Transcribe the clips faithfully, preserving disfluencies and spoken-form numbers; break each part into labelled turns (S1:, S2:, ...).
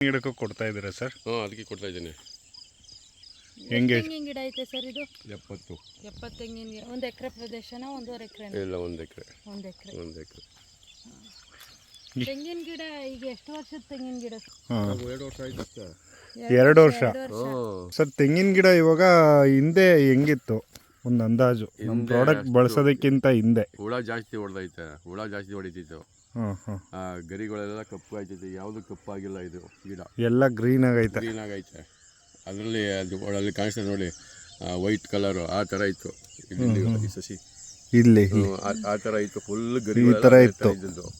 S1: ಗಿಡಕ್ಕೂ ಕೊಡ್ತಾ ಇದ್ದೀರಾ ಸರ್?
S2: ಹಾಂ, ಅದಕ್ಕೆ ಕೊಡ್ತಾ ಇದ್ದೀನಿ.
S1: ಹೆಂಗೆ
S3: ತೆಂಗಿನ ಗಿಡ ಐತೆ ಸರ್ ಇದು?
S2: ಎಪ್ಪತ್ತು
S3: ಎಪ್ಪತ್ತು ತೆಂಗಿನ ಗಿಡ. ಒಂದು ಎಕರೆ ಪ್ರದೇಶನ ಒಂದೂವರೆ ಎಕರೆ?
S2: ಇಲ್ಲ, ಒಂದು ಎಕರೆ.
S3: ಒಂದು ಎಕರೆ
S2: ಒಂದು ಎಕರೆ
S3: ತೆಂಗಿನ ಗಿಡ. ಈಗ ಎಷ್ಟು ವರ್ಷದ ತೆಂಗಿನ ಗಿಡ?
S2: ಎರಡು ವರ್ಷ ಆಯ್ತು ಅಷ್ಟೇ.
S1: ಎರಡು ವರ್ಷ ಸರ್. ತೆಂಗಿನ ಗಿಡ ಇವಾಗ ಹಿಂದೆ ಹೆಂಗಿತ್ತು ಒಂದು ಅಂದಾಜು ನಮ್ಮ ಪ್ರಾಡಕ್ಟ್ ಬಳಸೋದಕ್ಕಿಂತ ಹಿಂದೆ?
S2: ಹುಳ ಜಾಸ್ತಿ ಹೊಡೆದೈತೆ, ಹುಳ ಜಾಸ್ತಿ ಹೊಡಿತಿತ್ತು.
S1: ಹಾಂ ಹಾಂ.
S2: ಗರಿಗಳೆಲ್ಲ ಕಪ್ಪು ಆಯ್ತೈತೆ, ಯಾವುದು ಕಪ್ಪಾಗಿಲ್ಲ. ಇದು ಗಿಡ
S1: ಎಲ್ಲ ಗ್ರೀನ್ ಆಗೈತೆ.
S2: ಗ್ರೀನ್ ಆಗೈತೆ. ಅದರಲ್ಲಿ ಅದು ಅಲ್ಲಿ ಕಾಣಿಸ್ತದೆ ನೋಡಿ, ವೈಟ್ ಕಲರು ಆ ಥರ ಇತ್ತು ಇಲ್ಲಿ ಸಸಿ. ಇಲ್ಲಿ ಆ ಥರ ಇತ್ತು, ಫುಲ್ ಗರಿ ಈ ಥರ ಇತ್ತು.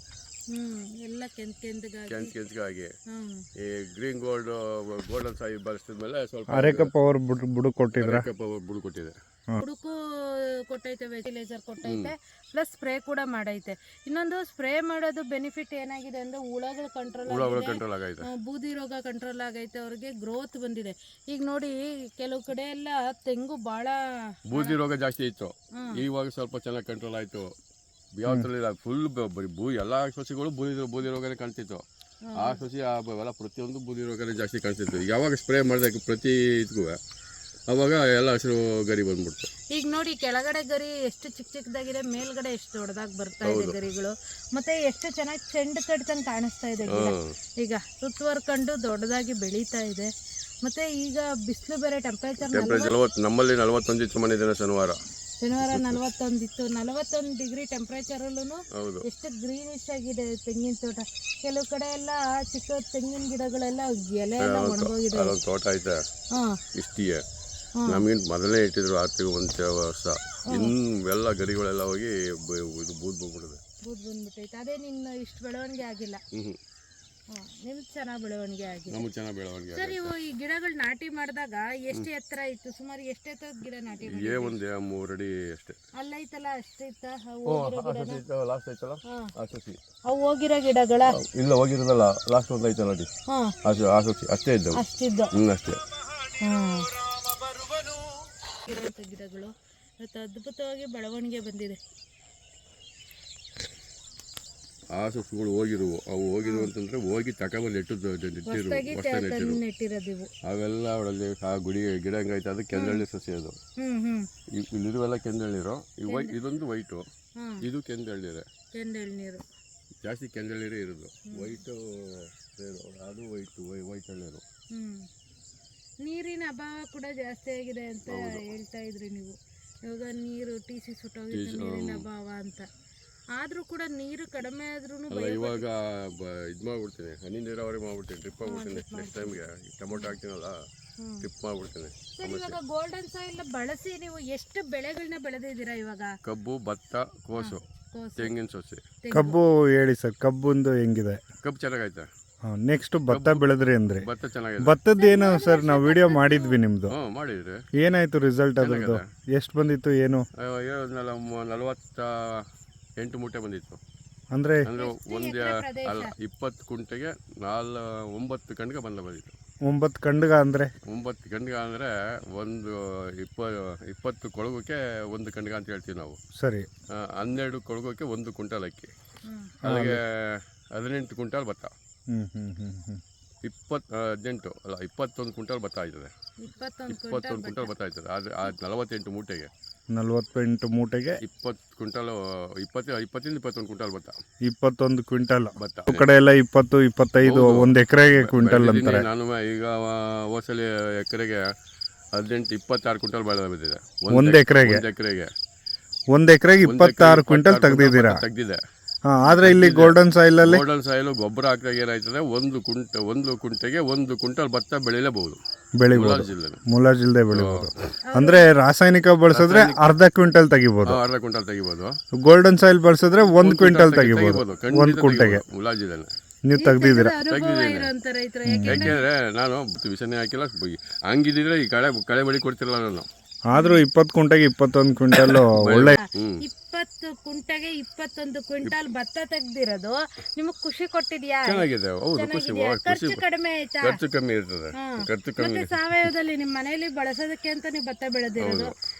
S3: ಎಲ್ಲ ಕೆಂಚ್ ಕೆಂಚಗಾಗಿ
S2: ಕೆಂಚ್ ಕೆಂಚಗಾಗಿ ಈ ಗ್ರೀನ್ ಗೋಲ್ಡ್ ಗೋಲ್ಡನ್ ಸಾಯಿ ಬಳಸಿದ್ಮೇಲೆ ಸ್ವಲ್ಪ
S1: ಅರೆಕಪ್ಪ ಅವ್ರು ಬುಡ್ ಬುಡು ಕೊಟ್ಟಿದ್ರೆ
S2: ಅರೆಕಪ್ಪ ಬುಡು ಕೊಟ್ಟಿದೆ.
S3: ಹುಡುಕು ಕೊಟ್ಟೈತೆ, ವೆಜಿಲೇಜರ್ ಕೊಟ್ಟೈತೆ, ಪ್ಲಸ್ ಸ್ಪ್ರೇ ಕೂಡ ಮಾಡೈತೆ. ಇನ್ನೊಂದು ಸ್ಪ್ರೇ ಮಾಡೋದು ಬೆನಿಫಿಟ್ ಏನಾಗಿದೆ ಅಂದ್ರೆ ಹುಳಗಳು ಕಂಟ್ರೋಲ್
S2: ಕಂಟ್ರೋಲ್ ಆಗೈತೆ,
S3: ಬೂದಿ ರೋಗ ಕಂಟ್ರೋಲ್ ಆಗೈತೆ, ಅವ್ರಿಗೆ ಗ್ರೋತ್ ಬಂದಿದೆ. ಈಗ ನೋಡಿ ಕೆಲವು ಕಡೆ ಎಲ್ಲ ತೆಂಗು ಬಹಳ
S2: ಬೂದಿ ರೋಗ ಜಾಸ್ತಿ ಇತ್ತು, ಇವಾಗ ಸ್ವಲ್ಪ ಚೆನ್ನಾಗಿ ಕಂಟ್ರೋಲ್ ಆಯ್ತು. ಯಾವತ್ತಲ್ಲ ಫುಲ್ ಬೂ ಎಲ್ಲ ಸಸಿಗಳು ಬೂದಿ ಬೂದಿ ರೋಗನೇ ಕಾಣ್ತಿತ್ತು. ಆ ಸಸಿ ಎಲ್ಲ ಪ್ರತಿಯೊಂದು ಬೂದಿ ರೋಗನೇ ಜಾಸ್ತಿ ಕಾಣಿಸ್ತಿತ್ತು. ಯಾವಾಗ ಸ್ಪ್ರೇ ಮಾಡಿದೆ ಪ್ರತಿ ಇದಕ್ಕೂ ಅವಾಗ ಎಲ್ಲ ಹಸಿರು ಗರಿ ಬಂದ್ಬಿಡ್ತು.
S3: ಈಗ ನೋಡಿ ಕೆಳಗಡೆ ಗರಿ ಎಷ್ಟು ಚಿಕ್ಕ ಚಿಕ್ಕದಾಗಿದೆ, ಮೇಲ್ಗಡೆ ಎಷ್ಟು ದೊಡ್ಡದಾಗಿ ಬರ್ತಾ ಇದೆ ಗರಿಗಳು. ಮತ್ತೆ ಎಷ್ಟು ಚೆನ್ನಾಗಿ ಚೆಂಡು ಕಟ್ತಂಗೆ ಕಾಣಿಸ್ತಾ ಇದೆ ಗಿಡ. ಈಗ ಸುತ್ತುವರ್ಕೊಂಡು ದೊಡ್ಡದಾಗಿ ಬೆಳೀತಾ ಇದೆ. ಮತ್ತೆ ಈಗ ಬಿಸಿಲು ಬೇರೆ, ಟೆಂಪರೇಚರ್
S2: ನಮ್ಮಲ್ಲಿ ನಲವತ್ತೊಂದು ಇತ್ತು ಮನೆ ಶನಿವಾರ
S3: ಶನಿವಾರ ನಲವತ್ತೊಂದಿತ್ತು. ನಲವತ್ತೊಂದು ಡಿಗ್ರಿ ಟೆಂಪರೇಚರಲ್ಲೂ ಎಷ್ಟು ಗ್ರೀನಿಶ್ ಆಗಿದೆ ತೆಂಗಿನ ತೋಟ. ಕೆಲವು ಕಡೆ ಎಲ್ಲ ಚಿಕ್ಕ ತೆಂಗಿನ ಗಿಡಗಳೆಲ್ಲ ಎಲೆ ಎಲ್ಲ ಒಣಗೋಗಿದೆ.
S2: ತೋಟ ಐತೆ ಇಷ್ಟಿಗೆ, ನಮಗಿಂತ ಮೊದಲೇ ಇಟ್ಟಿದ್ರು ಆರ್ತಿಗೆ ಒಂದು ವರ್ಷ. ಇನ್ನು ಎಲ್ಲ ಗರಿಗಳೆಲ್ಲ ಹೋಗಿ ಇದು ಬೂದ್ ಬಂದ್ಬಿಟ್ಟಿದೆ.
S3: ಬೂದ್ ಬಂದ್ಬಿಟ್ಟೈತೆ. ಅದೇ ನಿನ್ನ ಇಷ್ಟು ಬೆಳವಣಿಗೆ ಆಗಿಲ್ಲ.
S2: ಹ್ಮ್
S3: ನಿಮ್ಗೆ ಚೆನ್ನಾಗಿ ಬೆಳವಣಿಗೆ ಆಗಿದೆ.
S2: ನಮ್ಗೆ ಚೆನ್ನಾಗಿ ಬೆಳವಣಿಗೆ.
S3: ಸರ್, ಇವು ಈ ಗಿಡಗಳು ನಾಟಿ ಮಾಡಿದಾಗ ಎಷ್ಟು ಎತ್ತರ ಇತ್ತು? ಸುಮಾರು ಎಷ್ಟು ಎತ್ತರದ ಗಿಡ ನಾಟಿ ಮಾಡಿ?
S2: ಏ ಒಂದು ಮೂರು ಅಡಿ ಅಷ್ಟೇ.
S3: ಅಲ್ಲೈತಲ್ಲ ಅಷ್ಟೇ ಇತ್ತ?
S2: ಲಾಸ್ಟ್ ಐತಲ್ಲ ಆ ಸಸಿ,
S3: ಅವು ಹೋಗಿರೋ ಗಿಡಗಳ?
S2: ಇಲ್ಲ, ಹೋಗಿರೋದಲ್ಲ, ಲಾಸ್ಟ್ ಒಂದು ಐತಲ್ಲ ಅಡಿ ಆ ಸಸಿ ಅಷ್ಟೇ ಇದ್ದವು.
S3: ಅಷ್ಟಿದ್ದು
S2: ಹ್ಮ್ ಅಷ್ಟೇ.
S3: ಗಿಡಗಳು ಇವತ್ತು ಅದ್ಭುತವಾಗಿ ಬೆಳವಣಿಗೆ ಬಂದಿದೆ.
S2: ಆ ಸಸಿಗಳು ಹೋಗಿರುವು, ಅವು ಹೋಗಿರುವು ಅಂತಂದ್ರೆ ಹೋಗಿ ತಗೊಂಬಂದು ನೆಟ್ಟಿರು
S3: ನೆಟ್ಟಿರೋದಿವು
S2: ಅವೆಲ್ಲ ಅವಳಲ್ಲಿ ಆ ಗುಡಿ ಗಿಡ ಹಂಗೈತೆ. ಅದು ಕೆಂದಳ್ಳಿ ಸಸಿ. ಅದು ಇಲ್ಲಿರುವೆಲ್ಲ ಕೆಂದಳ್ಳಿರು. ಇದೊಂದು ವೈಟು, ಇದು ಕೆಂದಳ್ಳಿರೆ.
S3: ಕೆಂದಳ್ಳಿರು
S2: ಜಾಸ್ತಿ ಕೆಂದಳ್ಳಿರೇ ಇರೋದು. ವೈಟು ಅದು ವೈಟು ವೈಟ್ ಹಳ್ಳಿರು.
S3: ನೀರಿನ ಅಭಾವ ಕೂಡ ಜಾಸ್ತಿ ಆಗಿದೆ ಅಂತ ಹೇಳ್ತಾ ಇದ್ರಿ ನೀವು. ಇವಾಗ ನೀರು ಟಿ ಸಿ ಸುಟ್ಟೋಗಿತ್ತು, ನೀರಿನ ಅಭಾವ ಅಂತ. ಆದ್ರೂ ಕೂಡ ನೀರು ಕಡಿಮೆ ಆದ್ರೂ
S2: ಇವಾಗ ಇದು ಮಾಡ್ಬಿಡ್ತೀನಿ, ಹನಿ ನೀರಾವರಿ ಮಾಡ್ಬಿಡ್ತೀನಿ, ಡ್ರಿಪ್ ಮಾಡ್ಬಿಡ್ತೀನಿ. ನೆಕ್ಸ್ಟ್ ಟೈಮ್ಗೆ ಟೊಮೊಟೊ ಹಾಕ್ತೀನಲ್ಲ, ಡ್ರಿಪ್ ಮಾಡ್ಬಿಡ್ತೀನಿ.
S3: ಇವಾಗ ಗೋಲ್ಡನ್ ಸಾಯಿಲ್ ಬಳಸಿ ನೀವು ಎಷ್ಟು ಬೆಳೆಗಳನ್ನ ಬೆಳೆದಿದ್ದೀರಾ ಇವಾಗ?
S2: ಕಬ್ಬು, ಭತ್ತ, ಕೋಸು, ತೆಂಗಿನ ಸಸಿ.
S1: ಕಬ್ಬು ಹೇಳಿ ಸರ್, ಕಬ್ಬುಂದು ಹೆಂಗಿದೆ?
S2: ಕಬ್ಬು ಚೆನ್ನಾಗೈತೆ.
S1: ನೆಕ್ಸ್ಟ್ ಭತ್ತ ಬೆಳೆದ್ರಿ ಅಂದ್ರೆ?
S2: ಭತ್ತ ಚೆನ್ನಾಗಿದೆ.
S1: ಭತ್ತದ ಏನು ಸರ್, ನಾವು ವಿಡಿಯೋ ಮಾಡಿದ್ವಿ ನಿಮ್ದು.
S2: ಮಾಡಿದ್ರಿ?
S1: ಏನಾಯ್ತು ರಿಸಲ್ಟ್ ಅದ್ರದ್ದು? ಎಷ್ಟು ಬಂದಿತ್ತು? ಏನು
S2: ನಲವತ್ತ ಎಂಟು ಮೂಟೆ ಬಂದಿತ್ತು.
S1: ಅಂದ್ರೆ
S2: ಅಂದ್ರೆ ಒಂದು ಅಲ್ಲ, ಇಪ್ಪತ್ತು ಕುಂಟೆಗೆ ನಾಲ್ ಒಂಬತ್ತು ಗಂಟೆಗೆ ಬಂದ ಬಂದಿತ್ತು.
S1: ಒಂಬತ್ತು ಕಂಡ್ಗ ಅಂದ್ರೆ
S2: ಒಂಬತ್ತು ಗಂಟೆಗೆ ಅಂದ್ರೆ ಒಂದು ಇಪ್ಪ ಇಪ್ಪತ್ತು ಕೊಳಗಕ್ಕೆ ಒಂದು ಕಂಡ್ಗ ಅಂತ ಹೇಳ್ತೀವಿ ನಾವು.
S1: ಸರಿ.
S2: ಹನ್ನೆರಡು ಕೊಳಗಕ್ಕೆ ಒಂದು ಕ್ವಿಂಟಾಲ್ ಅಕ್ಕಿ, ಅಲ್ಲಿಗೆ ಹದಿನೆಂಟು ಕ್ವಿಂಟಾಲ್ ಭತ್ತ.
S1: ಹ್ಮ್ ಹ್ಮ್ ಹ್ಮ್ ಹ್ಮ್
S2: ಇಪ್ಪತ್ತು ಹದಿನೆಂಟು ಅಲ್ಲ ಇಪ್ಪತ್ತೊಂದು ಕ್ವಿಂಟಾಲ್ ಭತ್ತ ಆಯ್ತದೆ. ಇಪ್ಪತ್ತೊಂದು ಕ್ವಿಂಟಾಲ್ ಭತ್ತ ಆಯ್ತದೆ. ಆದರೆ ಆ ನಲವತ್ತೆಂಟು ಮೂಟೆಗೆ
S1: ನಲವತ್ತೆಂಟು ಮೂಟೆಗೆ
S2: ಇಪ್ಪತ್ತು ಕ್ವಿಂಟಾಲು ಇಪ್ಪತ್ತು ಇಪ್ಪತ್ತಿಂದ ಇಪ್ಪತ್ತೊಂದು ಕ್ವಿಂಟಾಲ್ ಭತ್ತ.
S1: ಇಪ್ಪತ್ತೊಂದು ಕ್ವಿಂಟಾಲ್
S2: ಭತ್ತ.
S1: ಆ ಕಡೆ ಎಲ್ಲ ಇಪ್ಪತ್ತು ಇಪ್ಪತ್ತೈದು ಒಂದು ಎಕರೆಗೆ ಕ್ವಿಂಟಲ್ ಅಂತಾರೆ.
S2: ನಾನು ಈಗ ಹೋಸಲಿ ಎಕರೆಗೆ ಹದಿನೆಂಟು ಇಪ್ಪತ್ತಾರು ಕ್ವಿಂಟಾಲ್ ಬೆಳೆ ಬಂದಿದೆ.
S1: ಒಂದು ಎಕರೆಗೆ
S2: ಎಕರೆಗೆ
S1: ಒಂದು ಎಕರೆಗೆ ಇಪ್ಪತ್ತಾರು ಕ್ವಿಂಟಲ್ ತೆಗ್ದಿದ್ದೀರಾ?
S2: ತೆಗ್ದಿದೆ.
S1: ಆದ್ರೆ ಇಲ್ಲಿ ಗೋಲ್ಡನ್ ಸಾಯಿಲ್ ಅಲ್ಲಿ
S2: ಗೋಲ್ಡನ್ ಸಾಯಿಲ್ ಗೊಬ್ಬರ ಹಾಕಿದಾಗ ಏನಾಯ್ತದೆ, ಒಂದು ಕುಂಟ ಒಂದು ಕುಂಟೆಗೆ ಒಂದು ಕ್ವಿಂಟಲ್ ಭತ್ತ ಬೆಳೆಯಲೇಬಹುದು.
S1: ಬೆಳಿಬಹುದು, ಮುಲಾಜಿಲ್ದೆ ಬೆಳಿಬಹುದು. ಅಂದ್ರೆ ರಾಸಾಯನಿಕ ಬಳಸಿದ್ರೆ ಅರ್ಧ ಕ್ವಿಂಟಲ್ ತೆಗಿಬಹುದು.
S2: ಅರ್ಧ ಕ್ವಿಂಟಲ್ ತೆಗಿಬಹುದು.
S1: ಗೋಲ್ಡನ್ ಸಾಯಿಲ್ ಬಳಸಿದ್ರೆ ಒಂದು ಕ್ವಿಂಟಲ್ ತೆಗಿಬಹುದು ಒಂದು ಕುಂಟೆಗೆ.
S2: ಮುಲಾಜಿಲ್ಲ
S1: ನೀವು ತೆಗ್ದಿದ್ದೀರಾ?
S2: ಯಾಕೆಂದ್ರೆ ನಾನು ವಿಷನೇ ಹಾಕಿಲ್ಲ, ಹಂಗಿದ್ರೆ ಈ ಕಳೆ ಕಳೆ ಬಳಿ ಕೊಡ್ತಿರಲ್ಲ ನಾನು.
S1: ಆದ್ರೂ ಇಪ್ಪತ್ತು ಕುಂಟೆಗೆ ಇಪ್ಪತ್ತೊಂದು ಕ್ವಿಂಟಲ್ ಒಳ್ಳೆ.
S3: ಇಪ್ಪತ್ತು ಕುಂಟೆಗೆ ಇಪ್ಪತ್ತೊಂದು ಕ್ವಿಂಟಾಲ್ ಭತ್ತ ತೆಗ್ದಿರೋದು ನಿಮಗ್ ಖುಷಿ ಕೊಟ್ಟಿದ್ಯಾ?
S2: ಚೆನ್ನಾಗಿದೆ. ಹೌದು, ಖುಷಿ.
S3: ಖರ್ಚು ಕಡಿಮೆ ಆಯ್ತಾ?
S2: ಖರ್ಚು ಕಮ್ಮಿ ಇರ್ತದೆ. ಖರ್ಚು ಕಮ್ಮಿ.
S3: ಸಾವಯವದಲ್ಲಿ ನಿಮ್ಮ ಮನೆಯಲ್ಲಿ ಬಳಸೋದಕ್ಕೆ ಅಂತ ನೀವು ಭತ್ತ ಬೆಳೆದಿರೋದು.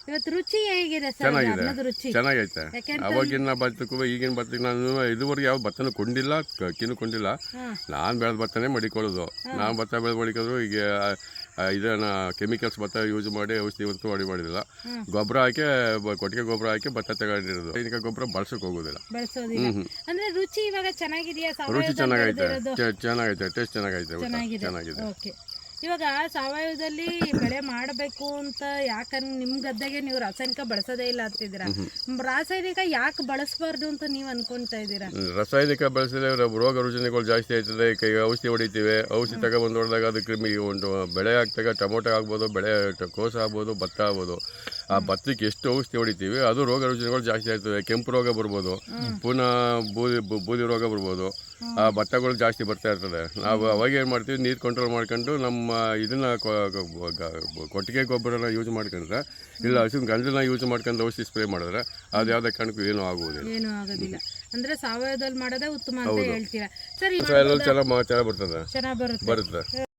S3: ಇವತ್ತು ರುಚಿ ಹೇಗಿದೆ ಸರ್
S2: ಚೆನ್ನಾಗಿದೆ.
S3: ಅನ್ನದ ರುಚಿ?
S2: ಚೆನ್ನಾಗೈತೆ.
S3: ಯಾಕೆಂತ
S2: ಅವಾಗಿನ ಭತ್ತಕ್ಕೂ ಈಗಿನ ಭತ್ತಕ್ಕೆ ನಾನು ಇದುವರೆಗೆ ಯಾವ ಭತ್ತನೂ ಕೊಂಡಿಲ್ಲ, ಕಿನ್ನು ಕೊಂಡಿಲ್ಲ. ನಾನು ಬೆಳೆದ ಭತ್ತನೇ ಮಡಿಕೊಳ್ಳೋದು. ನಾನು ಭತ್ತ ಬೆಳೆದು ಮಡಿಕೋದು ಈಗ ಆ, ಇದನ್ನ ಕೆಮಿಕಲ್ಸ್ ಭತ್ತ ಯೂಸ್ ಮಾಡಿ ಔಷಧಿ ಹೊತ್ತು ಅಡಿ ಮಾಡಿದಿಲ್ಲ. ಗೊಬ್ಬರ ಹಾಕಿ ಬ- ಕೊಟ್ಟಿಗೆ ಗೊಬ್ಬರ ಹಾಕಿ ಭತ್ತ ತಗೊಂಡಿರೋದು. ಇದಕ್ಕೆ ಗೊಬ್ಬರ ಬಳಸಕ್ಕೆ ಹೋಗೋದಿಲ್ಲ.
S3: ಬಳಸೋದಿಲ್ಲ. ಅಂದ್ರೆ ರುಚಿ ಇವಾಗ ಚೆನ್ನಾಗಿದೆಯಾ?
S2: ರುಚಿ ಚೆನ್ನಾಗೈತೆ,
S3: ಸಾವಯವದಲ್ಲಿ
S2: ಚೆ- ಚೆನ್ನಾಗೈತೆ, ಟೇಸ್ಟ್ ಚೆನ್ನಾಗೈತೆ, ಊಟ
S3: ಚೆನ್ನಾಗಿದೆ.
S2: ಚೆನ್ನಾಗಿದೆ.
S3: ಓಕೆ. ಇವಾಗ ಸಾವಯವದಲ್ಲಿ ಬೆಳೆ ಮಾಡಬೇಕು ಅಂತ ಯಾಕಂದ್ರೆ ನಿಮ್ ಗದ್ದೆಗೆ ನೀವು ರಾಸಾಯನಿಕ ಬಳಸೋದೇ ಇಲ್ಲ ಅಂತಿದ್ದೀರಾ. ರಾಸಾಯನಿಕ ಯಾಕೆ ಬಳಸಬಾರ್ದು ಅಂತ ನೀವು ಅನ್ಕೊಂತಾ ಇದ್ದೀರಾ?
S2: ರಾಸಾಯನಿಕ ಬಳಸಿದ್ರೆ ರೋಗ ರುಜಿನಗಳು ಜಾಸ್ತಿ ಆಯ್ತದೆ. ಕೈ ಔಷಧಿ ಹೊಡಿತೀವಿ. ಔಷಧಿ ತಗೊಬಂದು ಹೊಡೆದಾಗ ಅದು ಕ್ರಿಮಿ ಒಂದು ಬೆಳೆ ಹಾಕ್ದಾಗ ಟೊಮೊಟೊ ಆಗ್ಬೋದು, ಬೆಳೆ ಟ- ಕೋಸು ಆಗ್ಬೋದು, ಭತ್ತ ಆಗ್ಬೋದು. ಆ ಭತ್ತಕ್ಕೆ ಎಷ್ಟು ಔಷಧಿ ಹೊಡಿತೀವಿ ಅದು ರೋಗ ರುಜಿನಗಳು ಜಾಸ್ತಿ ಆಗ್ತದೆ. ಕೆಂಪು ರೋಗ ಬರ್ಬೋದು, ಪುನಃ ಬೂದಿ ಬು- ಬೂದಿ ರೋಗ ಬರ್ಬೋದು. ಆ ಭತ್ತಗಳು ಜಾಸ್ತಿ ಬರ್ತಾ ಇರ್ತದೆ. ನಾವು ಅವಾಗ ಏನು ಮಾಡ್ತೀವಿ, ನೀರು ಕಂಟ್ರೋಲ್ ಮಾಡ್ಕೊಂಡು ನಮ್ಮ ಇದನ್ನ ಕೊ- ಕೊ- ಗ- ಕೊಟ್ಟಿಗೆ ಗೊಬ್ಬರನ ಯೂಸ್ ಮಾಡ್ಕೊಂಡ್ರೆ, ಇಲ್ಲ ಹಸಿನ ಗಂಜಲನ್ನ ಯೂಸ್ ಮಾಡ್ಕೊಂಡು ಔಷಧಿ ಸ್ಪ್ರೇ ಮಾಡಿದ್ರೆ ಅದು ಯಾವುದೇ ಕಾರಣಕ್ಕೂ ಏನೂ ಆಗುವುದಿಲ್ಲ.
S3: ಏನು ಆಗೋದಿಲ್ಲ. ಅಂದ್ರೆ ಸಾವಯವದಲ್ಲಿ ಮಾಡೋದೇ ಉತ್ತಮ ಅಂತ ಹೇಳ್ತೀರಾ ಸರ್?
S2: ಎಲ್ಲ ಚೆನ್ನಾಗಿ ಚೆನ್ನಾಗಿ ಬರ್ತದೆ,
S3: ಚೆನ್ನಾಗಿ ಬರುತ್ತೆ.
S2: ಬರುತ್ತೆ.